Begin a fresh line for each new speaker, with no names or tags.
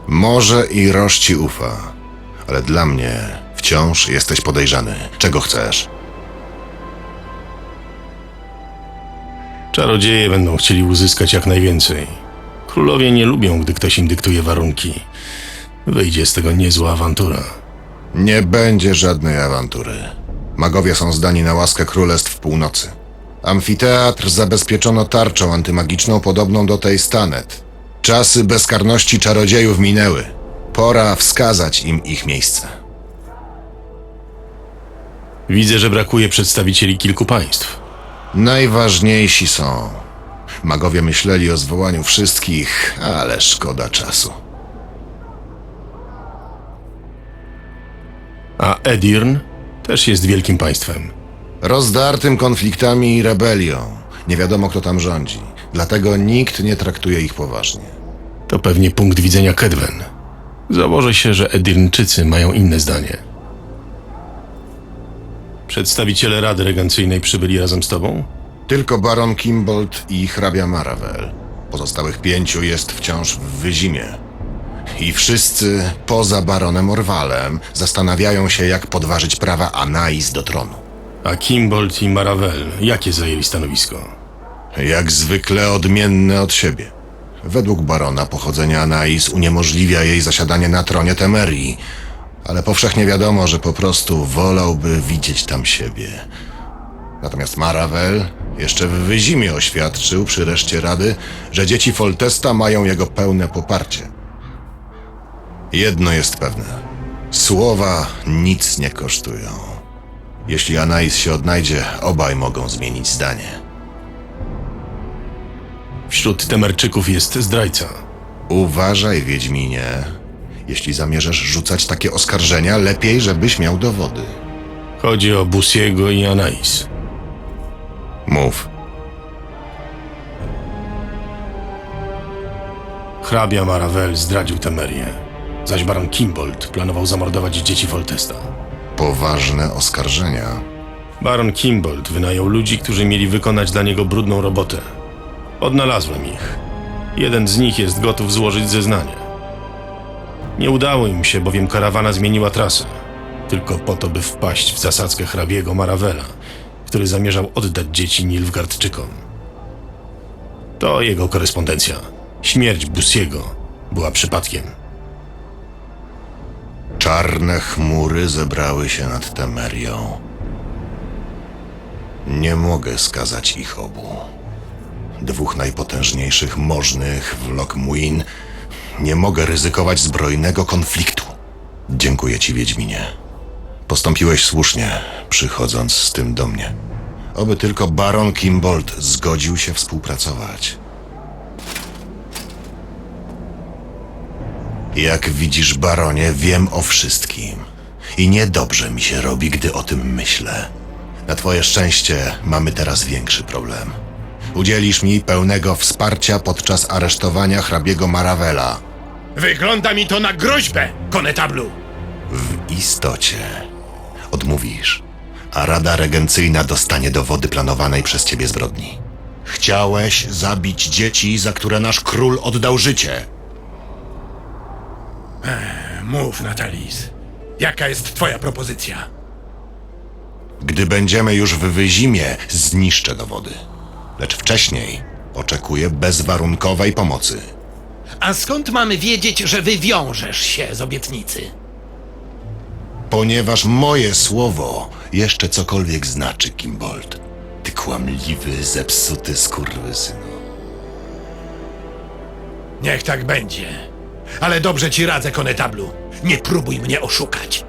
Może i Roż ci ufa, ale dla mnie wciąż jesteś podejrzany. Czego chcesz?
Czarodzieje będą chcieli uzyskać jak najwięcej. Królowie nie lubią, gdy ktoś im dyktuje warunki. Wyjdzie z tego niezła awantura.
Nie będzie żadnej awantury. Magowie są zdani na łaskę Królestw Północy. Amfiteatr zabezpieczono tarczą antymagiczną podobną do tej Stanet. Czasy bezkarności czarodziejów minęły. Pora wskazać im ich miejsce.
Widzę, że brakuje przedstawicieli kilku państw.
Najważniejsi są. Magowie myśleli o zwołaniu wszystkich, ale szkoda czasu.
A Edirn też jest wielkim państwem.
Rozdartym konfliktami i rebelią. Nie wiadomo, kto tam rządzi. Dlatego nikt nie traktuje ich poważnie.
To pewnie punkt widzenia Kedwen. Założę się, że Edirnczycy mają inne zdanie. Przedstawiciele Rady Regencyjnej przybyli razem z tobą?
Tylko baron Kimbold i hrabia Maravel. Pozostałych 5 jest wciąż w Wyzimie. I wszyscy, poza baronem Orwalem, zastanawiają się, jak podważyć prawa Anais do tronu.
A Kimbold i Maravel, jakie zajęli stanowisko?
Jak zwykle odmienne od siebie. Według barona pochodzenie Anais uniemożliwia jej zasiadanie na tronie Temerii, ale powszechnie wiadomo, że po prostu wolałby widzieć tam siebie. Natomiast Maravel jeszcze w Wyzimie oświadczył przy reszcie rady, że dzieci Foltesta mają jego pełne poparcie. Jedno jest pewne. Słowa nic nie kosztują. Jeśli Anais się odnajdzie, obaj mogą zmienić zdanie.
Wśród Temerczyków jest zdrajca.
Uważaj, Wiedźminie. Jeśli zamierzasz rzucać takie oskarżenia, lepiej, żebyś miał dowody.
Chodzi o Busiego i Anais.
Mów.
Hrabia Maravel zdradził Temerię, zaś baron Kimbold planował zamordować dzieci Foltesta.
Poważne oskarżenia.
Baron Kimbold wynajął ludzi, którzy mieli wykonać dla niego brudną robotę. Odnalazłem ich. Jeden z nich jest gotów złożyć zeznanie. Nie udało im się, bowiem karawana zmieniła trasę. Tylko po to, by wpaść w zasadzkę hrabiego Maravela, który zamierzał oddać dzieci Nilfgaardczykom. To jego korespondencja. Śmierć Busiego była przypadkiem.
Czarne chmury zebrały się nad Temerią. Nie mogę skazać ich obu. 2 najpotężniejszych możnych w Loc-Muin. Nie mogę ryzykować zbrojnego konfliktu. Dziękuję ci, Wiedźminie. Postąpiłeś słusznie, przychodząc z tym do mnie. Oby tylko baron Kimbold zgodził się współpracować. Jak widzisz, baronie, wiem o wszystkim. I niedobrze mi się robi, gdy o tym myślę. Na twoje szczęście mamy teraz większy problem. Udzielisz mi pełnego wsparcia podczas aresztowania hrabiego Maravela.
Wygląda mi to na groźbę, konetablu!
W istocie odmówisz, a Rada Regencyjna dostanie dowody planowanej przez ciebie zbrodni. Chciałeś zabić dzieci, za które nasz król oddał życie.
Mów, Natalis. Jaka jest twoja propozycja?
Gdy będziemy już w Wyzimie, zniszczę dowody. Lecz wcześniej oczekuję bezwarunkowej pomocy.
A skąd mamy wiedzieć, że wywiążesz się z obietnicy?
Ponieważ moje słowo jeszcze cokolwiek znaczy, Kimbold. Ty kłamliwy, zepsuty skurwysynu.
Niech tak będzie. Ale dobrze ci radzę, konetablu. Nie próbuj mnie oszukać.